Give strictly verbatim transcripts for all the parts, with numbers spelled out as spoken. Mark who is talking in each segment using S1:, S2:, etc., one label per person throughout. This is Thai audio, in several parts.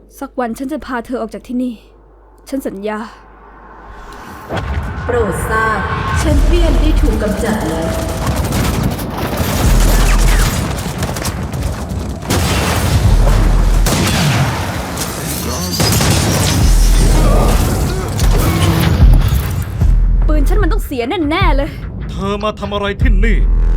S1: สักวันฉันจะพาเธอออกจากที่นี่ฉันสัญญา
S2: โปรดทราบแชมเปี้ยนได้ถูกกำจัดแล้ว
S1: ปืนฉันมันต้องเสียแน่ๆเลย
S3: เธอมาทำอะไรที่นี่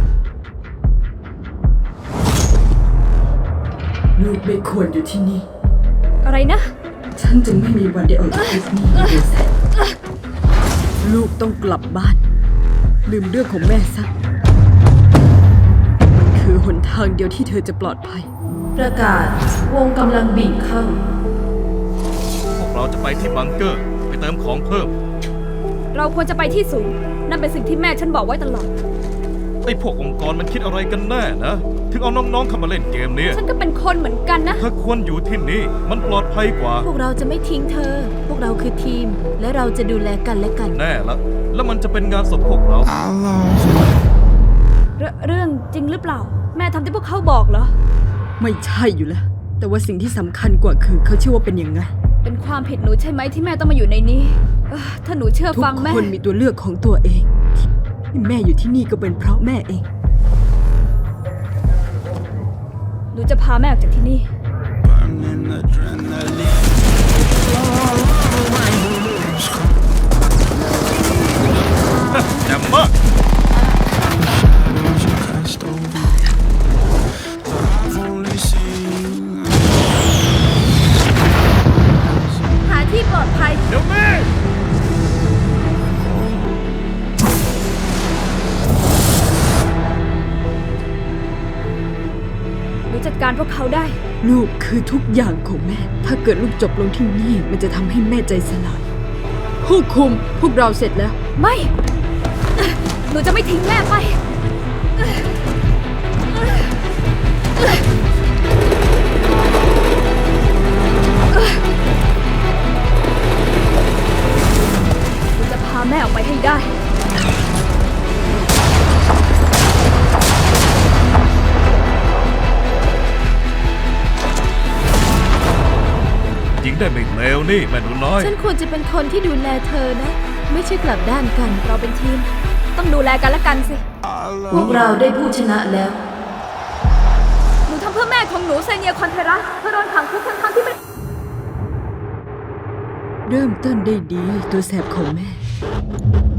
S2: ลูกไม่ควรอยู่ที่นี่
S1: อะไรนะ
S2: ฉันจึงไม่มีวันได้ออกจากที่นี่เลยแซลูกต้องกลับบ้านลืมเรื่องของแม่ซะมันคือหนทางเดียวที่เธอจะปลอดภัยประกาศวงกำลังบีบเข้า
S3: พวกเราจะไปที่บังเกอร์ไปเติมของเพิ่ม
S1: เราควรจะไปที่สูงนั่นเป็นสิ่งที่แม่ฉันบอกไว้ตลอด
S3: ไอ้พวกองค์กรมันคิดอะไรกันแน่นะถึงเอาน้องๆเข้ามาเล่นเกมนี้
S1: ฉันก็เป็นคนเหมือนกันนะ
S3: เธอควรอยู่ที่นี่มันปลอดภัยกว่า
S2: พวกเราจะไม่ทิ้งเธอพวกเราคือทีมและเราจะดูแลกันและกัน
S3: แน่ละแล้วมันจะเป็นงานศพพวกเรา
S1: เรเรื่องจริงหรือเปล่าแม่ทำที่พวกเขาบอกเหรอ
S2: ไม่ใช่อยู่แล้วแต่ว่าสิ่งที่สำคัญกว่าคือเขาเชื่อว่าเป็นยังไง
S1: เป็นความผิดหนูใช่ไหมที่แม่ต้องมาอยู่ในนี้ถ้าหนูเชื่อฟังแม่
S2: ทุกคนมีตัวเลือกของตัวเองที่แม่อยู่ที่นี่ก็เป็นเพราะแม่เอง
S1: หนูจะพาแม่ออกจากที่นี่
S3: แจ่มมาก
S1: หาที่ปลอดภัย
S3: เดี๋ยวแม่
S1: หนูจัดการพวกเขาได้
S2: ลูกคือทุกอย่างของแม่ถ้าเกิดลูกจบลงที่นี่มันจะทำให้แม่ใจสลายผู้คุมพวกเราเสร็จแล้ว
S1: ไม่หนูจะไม่ทิ้งแม่ไปหนูจะพาแม่ออกไปให้ได้
S3: ยิงได้ไม่เลวนี่แม่หนูน้อย
S2: ฉันควรจะเป็นคนที่ดูแลเธอนะไม่ใช่กลับด้านกัน
S1: เราเป็นทีมต้องดูแลกันและกันสิ
S2: พวกเราได้ผู้ชนะแล้ว
S1: หนูทำเพื่อแม่ของหนูเซเนียคอนเทรัสเธอโดนขังคุกทั้งๆที่ไม่
S2: เริ่มต้นได้ดีตัวแสบของแม่